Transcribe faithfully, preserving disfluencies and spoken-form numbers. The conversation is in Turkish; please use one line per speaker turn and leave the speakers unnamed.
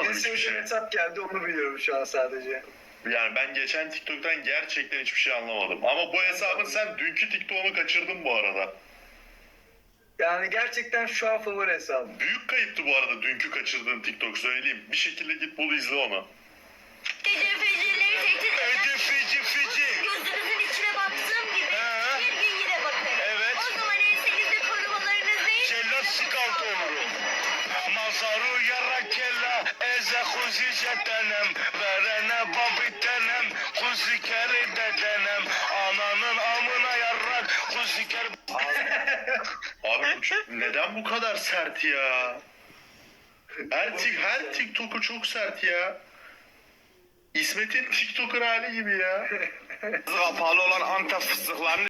anlamadım hiçbir
Mesajın
şey.
hesap geldi, onu biliyorum şu an sadece.
Yani ben geçen TikTok'tan gerçekten hiçbir şey anlamadım. Ama bu hesabın sen dünkü TikTok'unu kaçırdın bu arada.
Yani gerçekten şu an favori hesabım.
Büyük kayıptı bu arada dünkü kaçırdığın TikTok, söyleyeyim. Bir şekilde git bul, izle onu.
Gece fecileri tehdit eden,
Ede feci feci.
gözünüzün içine baktığım gibi
He.
bir gün yine bakarım.
Evet.
O zaman ensenizde korumalarınız değil.
Cellat skalt olurum. Mazaru yarakella eze kuzi jetenem. Verene babitenem. Kuzi kere dedenem. Ananın amına yarrak. Kuzi kere...
Abi bu çok- neden bu kadar sert ya? Her, tik, her TikTok'u çok sert ya. İsmet'in TikTok'un hali gibi ya.
Kapalı olan Antep fıstıklarını